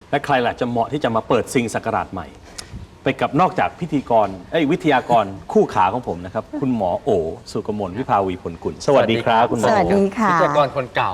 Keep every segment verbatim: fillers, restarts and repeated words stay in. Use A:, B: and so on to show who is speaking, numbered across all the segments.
A: และใครล่ะจะเหมาะที่จะมาเปิดซิงศักราชใหม่ไปกับนอกจากพิธีกรเอ้ยวิทยากรคู่ขาของผมนะครับคุณหมอโอสุกมลวิภาวีผลกุลสวัสดีครับคุณหมอ
B: สวัสดีค่ะ
C: วิทยากรคนเก่า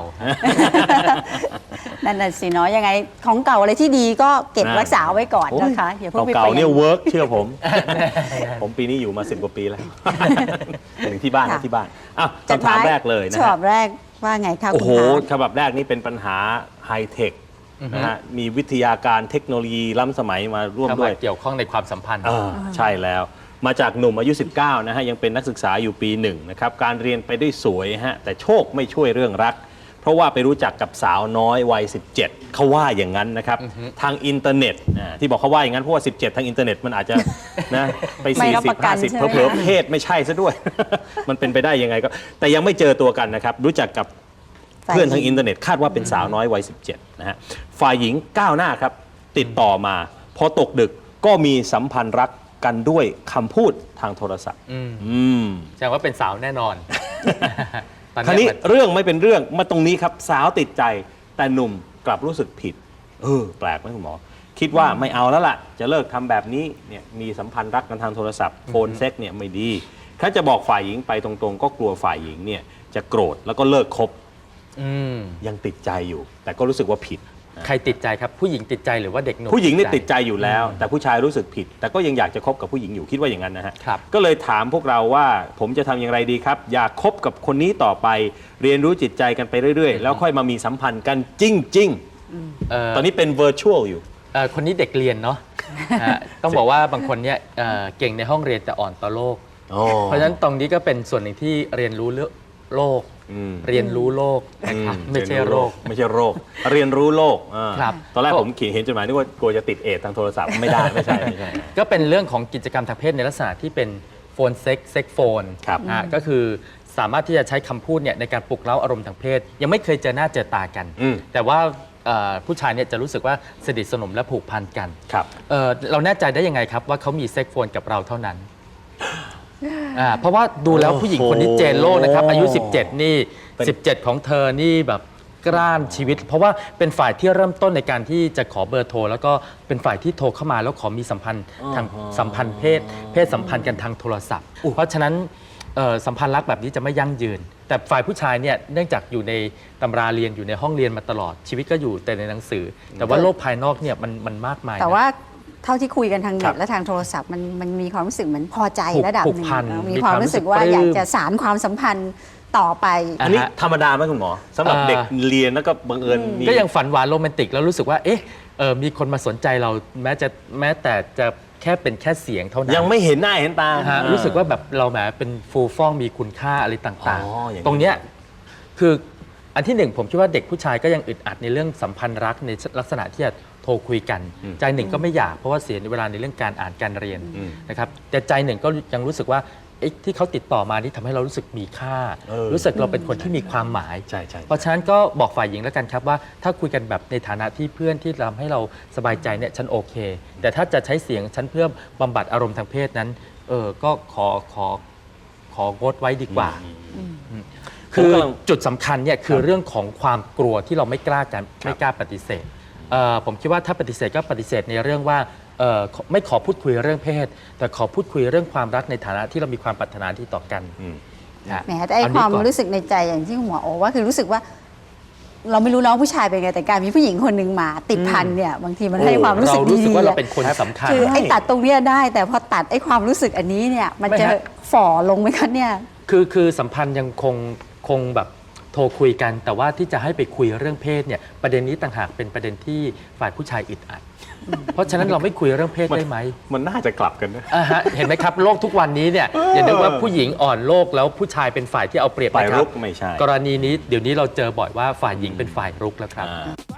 B: นั่นน่ะสิเนาะยังไงของเก่าอะไรที่ดีก็เก็บรักษาไว้ก่อนนะคะอย่าเพิ่งไป
A: เก่า
B: เปลี่
A: ๆเนี่ย
B: ยน
A: เวิร์กเชื่อผม ผมปีนี้อยู่มาสิบกว่าปีแล้ว ถึงที่บ้านนะที่บ้านอ้าวคำถามแรกเลยนะ
B: ฉ
A: ฮะ
B: บับแรกว่าไงคะ
A: โอ้
B: คุณ
A: โห
B: คะ
A: ฉบับแรกนี่เป็นปัญหาไฮเทคนะฮะมีวิทยาการเทคโนโลยีล้ำสมัยมาร่วม
C: เข้า
A: ด้
C: มา
A: วย
C: เกี่ยวข้องในความสัมพันธ์
A: อ่าใช่แล้วมาจากหนุ่มอายุ สิบเก้า นะฮะยังเป็นนักศึกษาอยู่ปีหนึ่งนะครับการเรียนไปได้สวยฮะแต่โชคไม่ช่วยเรื่องรัก เพราะว่าไปรู้จักกับสาวน้อยวัย สิบเจ็ด เขาว่าอย่างนั้นนะครับทางอินเทอร์เน็ตอ่าที่บอกเขาว่าอย่างนั้นเพราะว่า สิบเจ็ด ทางอินเทอร์เน็ตมันอาจจะนะไป
B: ไม่
A: สี่
B: รับ
A: สิ
B: ป
A: บ
B: ระกั
A: ห้าน สิบ
B: ใช่ไหม
A: เผลอๆเพศไม่ใช่ซะด้วย มันเป็นไปได้ยังไงก็แต่ยังไม่เจอตัวกันนะครับรู้จักกับเพื่อนทางอินเทอร์เน็ตคาดว่าเป็นสาวน้อยวัย สิบเจ็ด นะฮะฝ่ายหญิงก้าวหน้าครับติดต่อมาพอตกดึกก็มีสัมพันธ์รักกันด้วยคำพูดทางโทรศัพท์
C: อืม
A: อืม
C: แสดงว่าเป็นสาวแน่นอน ตอน
A: คราวนี้
C: เยมัน
A: เรื่องไม่เป็นเรื่องมาตรงนี้ครับสาวติดใจแต่หนุ่มกลับรู้สึกผิดเออแปลกไหมคุณหมอ คิดว่าไม่เอาแล้วล่ะ จะเลิกทำแบบนี้เนี่ยมีสัมพันธ์รักกันทางโทรศัพท์โฟนเซ็กเนี่ยไม่ดีถ้าจะบอกฝ่ายหญิงไปตรงๆ ก็กลัวฝ่ายหญิงเนี่ยจะโกรธแล้วก็เลิกคบ
C: อืม
A: ยังติดใจอยู่ แต่ก็รู้สึกว่าผิด
C: ใครติดใจครับผู้หญิงติดใจหรือว่าเด็กหนุ่ม
A: ผู้หญิงนี่ติดใจอยู่แล้ว แต่ผู้ชายรู้สึกผิด แต่ก็ยังอยากจะคบกับผู้หญิงอยู่คิดว่าอย่างนั้นนะฮะ
C: ครับ
A: ก็เลยถามพวกเราว่าผมจะทำอย่างไรดีครับ อยากคบกับคนนี้ต่อไป เรียนรู้จิตใจกันไปเรื่อยๆ แล้วค่อยมามีสัมพันธ์กันจริง
C: เอ่อ
A: ๆ ตอนนี้เป็น virtual อยู่
C: เอ่อคนนี้เด็กเรียนเนาะ อ่าต้องบอกว่าบางคนเนี่ยเอ่อเก่งในห้องเรียนแต่อ่อนต่อโลก เพราะฉะนั้นตรงนี้ก็เป็นส่วนหนึ่งที่เรียนรู้เรื่องโลก
A: อืม
C: เรียนรู้โลกนะครับไม่ใช่โรค
A: ไม่ใช่โรค เรียนรู้โลกอ่า
C: ครับ
A: ตอนแรกผมเขียนเห็นจดหมายนึกว่ากลัวจะติดเอดส์ทางโทรศัพท์ไม่ได้ไม่ใช่ไม่ใช่
C: ก็เป็นเรื่องของกิจกรรมทางเพศในลักษณะที่เป็นโฟนเซ็กเซ็กโฟน
A: ครับ
C: อ่าก็คือสามารถที่จะใช้คำพูดเนี่ยในการปลุกเร้าอารมณ์ทางเพศ ยังไม่เคยเจอหน้าเจอตากัน
A: อืม
C: แต่ว่าเอ่อผู้ชายเนี่ยจะรู้สึกว่าสนิทสนมและผูกพันกัน
A: ครับ
C: เอ่อเราแน่ใจได้ยังไงครับว่าเขามีเซ็กโฟนกับเราเท่านั้นอ่าเพราะว่าดูแล้วผู้หญิงคนนี้เจนโลกนะครับอายุ สิบเจ็ด นี่
A: เป็น
C: สิบเจ็ด ของเธอนี่แบบกล้านชีวิต เพราะว่าเป็นฝ่ายที่เริ่มต้นในการที่จะขอเบอร์โทร แล้วก็เป็นฝ่ายที่โทรเข้ามาแล้วขอมีสัมพันธ์ทางสัมพันธ์เพศ เพศสัมพันธ์กันทางโทรศัพท์ เพราะฉะนั้นเอ่อสัมพันธ์รักแบบนี้จะไม่ยั่งยืน แต่ฝ่ายผู้ชายเนี่ยเนื่องจากอยู่ในตำราเรียนอยู่ในห้องเรียนมาตลอดชีวิตก็อยู่แต่ในหนังสือ แต่ว่าโลกภายนอกเนี่ยมันมันมากมายนะ
B: แต่ว่าเท่าที่คุยกันทาง
A: ครั
B: เน็
A: บ
B: ตและทางโทรศัพท์มันมันมีความรู้สึกเหมือนพอใจ
C: ผูก
B: ระดับ
C: ผู
B: ห
C: ก
B: นึ่ง
C: พัน
B: เนอะ
C: มี
B: มีความรู้สึกว่า
C: ความรู้สึก
B: อยาก
C: ปลื้ม
B: จะสานความสัมพันธ์ต่อไป
A: อันนี้
C: อ่าฮะ
A: ธรรมดาไหมคุณหมอสำหรับ
C: เอ่อ
A: เด็กเรียนแล้วก็บังเอิญมี
C: ก็ยังฝันหวานโรแมนติกแล้วรู้สึกว่าเอ๊ะเออมีคนมาสนใจเราแม้จะแม้แต่จะแค่เป็นแค่เสียงเท่านั้น
A: ยังไม่เห็นหน้าเห็นตา
C: นะฮะรู้สึกว่าแบบเราแหมเป็นฟูฟ่องมีคุณค่าอะไรต่าง
A: อ๋ออย่างนี้
C: ๆ ตรงเนี้ยคืออันที่หนึ่งผมคิดว่าเด็กผู้ชายก็ยังอึดอัดในเรื่องสัมพันธ์รักในลักษณะที่จะโทรคุยกัน ใจหนึ่งก็ไม่อยากเพราะว่าเสียเวลาในเรื่องการอ่านการเรียนนะครับแต่ใจหนึ่งก็ยังรู้สึกว่าเอ๊ะที่เขาติดต่อมานี่ทำให้เรารู้สึกมีค่า
A: เออ
C: รู้สึกเราเป็นคนที่มีความหมาย
A: ใช่ใช่
C: เพราะฉะนั้นก็บอกฝ่ายหญิงแล้วกันครับว่าถ้าคุยกันแบบในฐานะที่เพื่อนที่ทำให้เราสบายใจเนี่ยฉันโอเค แต่ถ้าจะใช้เสียงฉันเพื่อบำบัดอารมณ์ทางเพศนั้นเออก็ขอขอของดไว้ดีกว่า คือจุดสำคัญเนี่ยคือเรื่องของความกลัวที่เราไม่กล้ากันไม่กล้าปฏิเสธเอ่อผมคิดว่าถ้าปฏิเสธก็ปฏิเสธในเรื่องว่าเอ่อไม่ขอพูดคุยเรื่องเพศ แต่ขอพูดคุยเรื่องความรักในฐานะที่เรามีความปรารถนาที่ต่อกัน
A: อืม
C: นะ
B: แหมแต่ไอ้
C: เอ
B: ค
C: นี้
B: วาม
C: ก่อน
B: รู้สึกในใจอย่างที่คุณหมอโอว่าคือรู้สึกว่า เราไม่รู้น้องผู้ชายเป็นไงแต่การมีผู้หญิงคนหนึ่งมาติดพันเนี่ยบางทีมันให้ความรู้สึก
C: เรารู้สึก
B: ดี
C: ว่า
B: ๆ
C: เรา
B: อะ
C: เป็นคนสำคัญ
B: คือไอ้ตัดตรงเนี้ยได้ แต่พอตัดไอ้ความรู้สึกอันนี้เนี่ยมัน
C: ไม่
B: จะ
C: ฮะ
B: ฝ่อลงไหมคะเนี่ย
C: คือคือสัมพันธ์ยังคงคงแบบโทรคุยกัน แต่ว่าที่จะให้ไปคุยเรื่องเพศเนี่ยประเด็นนี้ต่างหากเป็นประเด็นที่ฝ่ายผู้ชายอึดอัด เพราะฉะนั้นเราไม่คุยเรื่องเพศได้ไหม
A: มันน่าจะกลับกันนะ
C: อ่าฮะเห็นไหมครับโลกทุกวันนี้เนี่ยอย่านึกว่าผู้หญิงอ่อนโลกแล้วผู้ชายเป็นฝ่ายที่เอาเปรียบ
A: ฝ่าย
C: นะครั
A: รุ
C: บ
A: กไม่ใช่
C: กรณีนี้เดี๋ยวนี้เราเจอบ่อยว่าฝ่ายหญิงเป็นฝ่ายรุกแล้วครับ
A: อ่า